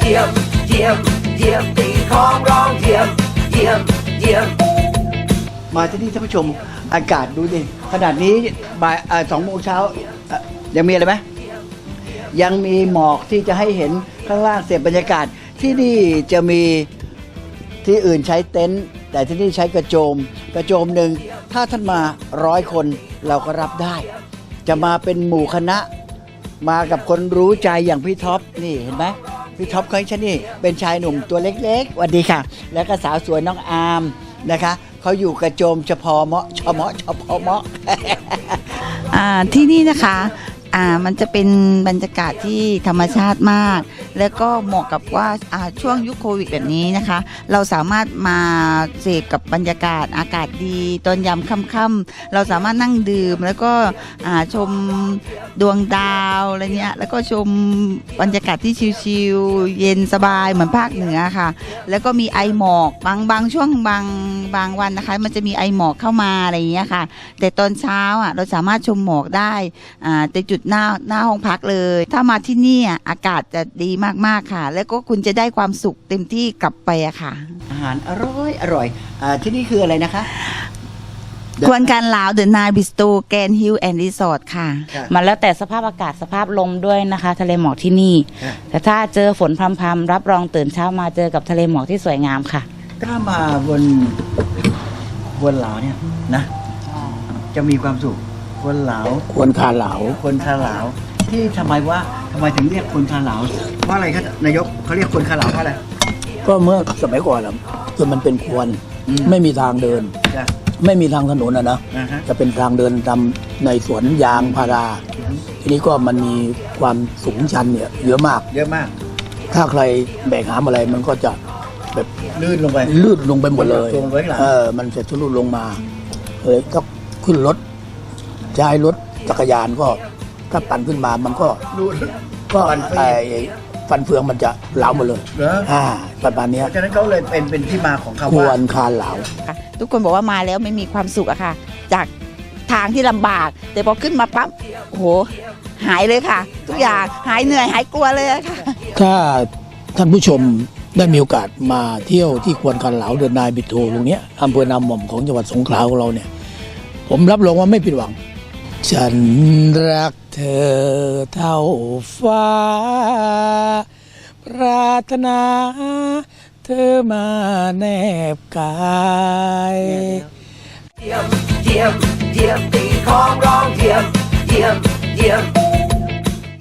ยี่ยมเยี่ยมเยี่ยมตีของร้องเยี่ยมเยี่ยมเยี่ยมมาที่นี่ท่านผู้ชมอากาศดูดิขนาดนี้บ่าย2 โมงเช้ายังมีอะไรไหมยังมีหมอกที่จะให้เห็นข้างล่างเสียบบรรยากาศที่นี่จะมีที่อื่นใช้เต็นท์แต่ที่นี่ใช้กระโจมหนึ่งถ้าท่านมา100 คนเราก็รับได้จะมาเป็นหมู่คณะมากับคนรู้ใจอย่างพี่ท็อปนี่เห็นไหมพี่ท็อปของฉันนี่เป็นชายหนุ่มตัวเล็กๆสวัสดีค่ะแล้วก็สาวสวยน้องอาร์มนะคะเขาอยู่กระโจมเฉพาะเมาะเฉพาะเมาะที่นี่นะคะมันจะเป็นบรรยากาศที่ธรรมชาติมากแล้วก็เหมาะกับว่าช่วงยุคโควิดแบบนี้นะคะเราสามารถมาเสพกับบรรยากาศอากาศดีตอนยามค่ำๆเราสามารถนั่งดื่มแล้วก็ชมดวงดาวอะไรเนี้ยแล้วก็ชมบรรยากาศที่ชิลๆเย็นสบายเหมือนภาคเหนือค่ะแล้วก็มีไอหมอกบางช่วงบางวันนะคะมันจะมีไอหมอกเข้ามาอะไรอย่างเงี้ยค่ะแต่ตอนเช้าเราสามารถชมหมอกได้แต่จุดหน้าห้องพักเลยถ้ามาที่นี่อากาศจะดีมากๆค่ะแล้วก็คุณจะได้ความสุขเต็มที่กลับไปอะค่ะอาหารอร่อยที่นี่คืออะไรนะคะควนการลาวเดอะนายบิสโตแกนฮิลแอนด์รีสอร์ทค่ะมันแล้วแต่สภาพอากาศสภาพลมด้วยนะคะทะเลหมอกที่นี่แต่ถ้าเจอฝนพรำๆรับรองตื่นเช้ามาเจอกับทะเลหมอกที่สวยงามค่ะถ้ามาบนเหลาเนี่ยนะจะมีความสุขคนเหลาคนคาเหลาที่ทำไมถึงเรียกคนคาเหลาเพราะอะไรครับนายกเขาเรียกคนคาเหลาเพราะอะไรก็เมื่อสมัยก่อนคือมันเป็นควรไม่มีทางเดินไม่มีทางถนนนะจะเป็นทางเดินตามในสวนยางพาราทีนี้ก็มันมีความสูงชันเนี่ยเยอะมากถ้าใครแบกหามอะไรมันก็จะแบบลื่นลงไปหมดเลยมันจะทะลุลงมาเลยก็ขึ้นรถใช้รถจักรยานก็ถ้าปั่นขึ้นมามันก็ฟันเฟืองมันจะเหลาหมดเลยประมาณนี้ฉะนั้นเขาเลยเป็นที่มาของคำว่าควรคาเหลาทุกคนบอกว่ามาแล้วไม่มีความสุขอะค่ะจากทางที่ลำบากแต่พอขึ้นมาปั๊บโอ้โหหายเลยค่ะทุกอย่างหายเหนื่อยหายกลัวเลยค่ะถ้าท่านผู้ชมได้มีโอกาสมาเที่ยวที่ควรคาเหลาเดอะนายบิโตตรงนี้อำเภอนาหม่อมของจังหวัดสงขลาของเราเนี่ยผมรับรองว่าไม่ผิดหวังฉันรักเธอเท่าฟ้าปรารถนาเธอมาแนบกายเยี่ยมตีของร้องเยี่ยม